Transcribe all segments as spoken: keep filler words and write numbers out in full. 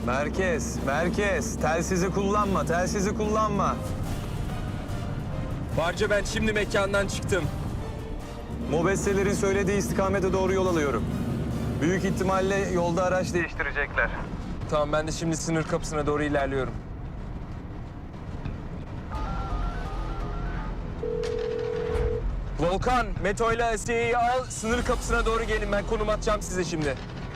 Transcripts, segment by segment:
Merkez, merkez. Telsizi kullanma, telsizi kullanma. Barca ben şimdi mekandan çıktım. Mobesselerin söylediği istikamete doğru yol alıyorum. Büyük ihtimalle yolda araç değiştirecekler. Tamam ben de şimdi sınır kapısına doğru ilerliyorum. Volkan, Meto ile Asiye'yi al, sınır kapısına doğru gelin. Ben konum atacağım size şimdi.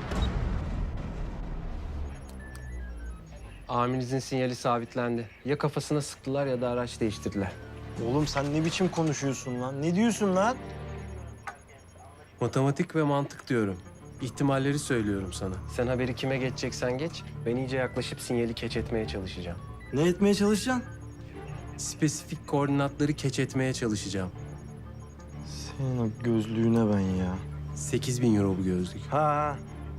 Amirinizin sinyali sabitlendi. Ya kafasına sıktılar ya da araç değiştirdiler. Oğlum sen ne biçim konuşuyorsun lan? Ne diyorsun lan? Matematik ve mantık diyorum. İhtimalleri söylüyorum sana. Sen haberi kime geçeceksen geç. Ben iyice yaklaşıp sinyali keç etmeye çalışacağım. Ne etmeye çalışacaksın? Spesifik koordinatları keç etmeye çalışacağım. Senin o gözlüğüne ben ya. sekiz bin euro bu gözlük. Ha ha.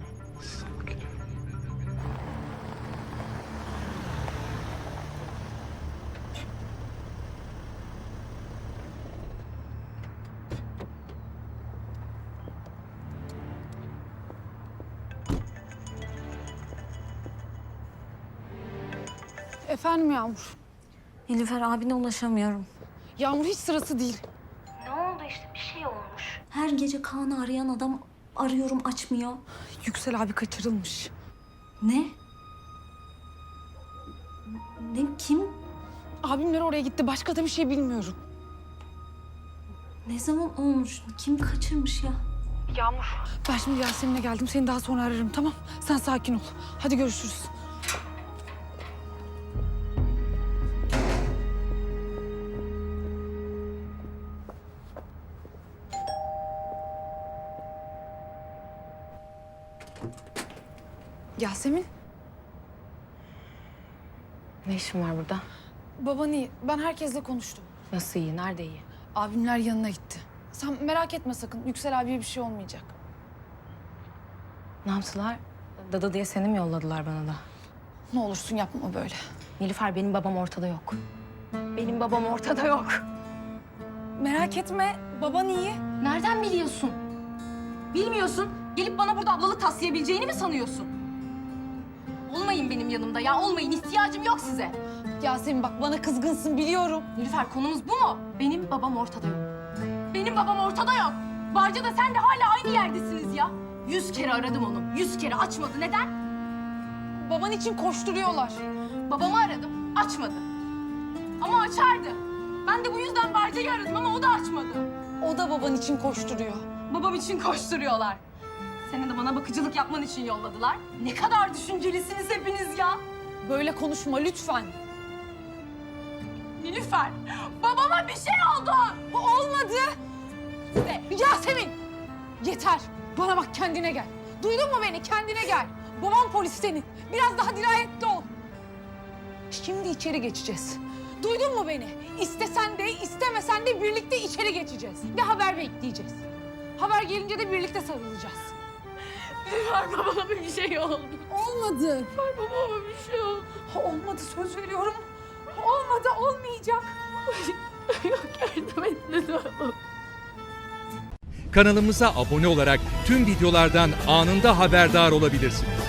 Efendim Yağmur. Nilüfer abine ulaşamıyorum. Yağmur hiç sırası değil. Ne oldu işte bir şey olmuş. Her gece Kaan'ı arayan adam arıyorum açmıyor. Yüksel abi kaçırılmış. Ne? Ne kim? Abimler oraya gitti. Başka da bir şey bilmiyorum. Ne zaman olmuş? Kim kaçırmış ya? Yağmur. Ben şimdi Yasemin'e geldim. Seni daha sonra ararım, tamam? Sen sakin ol. Hadi görüşürüz. Yasemin. Ne işin var burada? Baban iyi. Ben herkesle konuştum. Nasıl iyi? Nerede iyi? Abimler yanına gitti. Sen merak etme sakın. Yüksel abiye bir şey olmayacak. Ne yaptılar? Dada diye seni mi yolladılar bana da? Ne olursun yapma böyle. Nilüfer benim babam ortada yok. Benim babam ortada yok. Merak etme. Baban iyi. Nereden biliyorsun? Bilmiyorsun. Gelip bana burada ablalık taslayabileceğini mi sanıyorsun? Olmayın benim yanımda ya. Olmayın. İhtiyacım yok size. Yasemin bak bana kızgınsın biliyorum. Nilüfer konumuz bu mu? Benim babam ortada yok. Benim babam ortada yok. Barca da sen de hala aynı yerdesiniz ya. Yüz kere aradım onu. Yüz kere açmadı. Neden? Baban için koşturuyorlar. Babamı aradım. Açmadı. Ama açardı. Ben de bu yüzden Barca'yı aradım ama o da açmadı. O da baban için koşturuyor. Babam için koşturuyorlar. Senin de bana bakıcılık yapman için yolladılar. Ne kadar düşüncelisiniz hepiniz ya. Böyle konuşma lütfen. Nilüfer, babama bir şey oldu. Bu olmadı. Ne? Yasemin! Yeter. Bana bak kendine gel. Duydun mu beni? Kendine gel. Babam polis senin. Biraz daha dirayetli ol. Şimdi içeri geçeceğiz. Duydun mu beni? İstesen de istemesen de birlikte içeri geçeceğiz. Ve haber bekleyeceğiz. Haber gelince de birlikte sarılacağız. Nilüfer, babama bir şey oldu. Olmadı. Nilüfer, babama bir şey oldu. Olmadı söz veriyorum. Olmadı olmayacak. Yok, yardım et lütfen. Kanalımıza abone olarak tüm videolardan anında haberdar olabilirsiniz.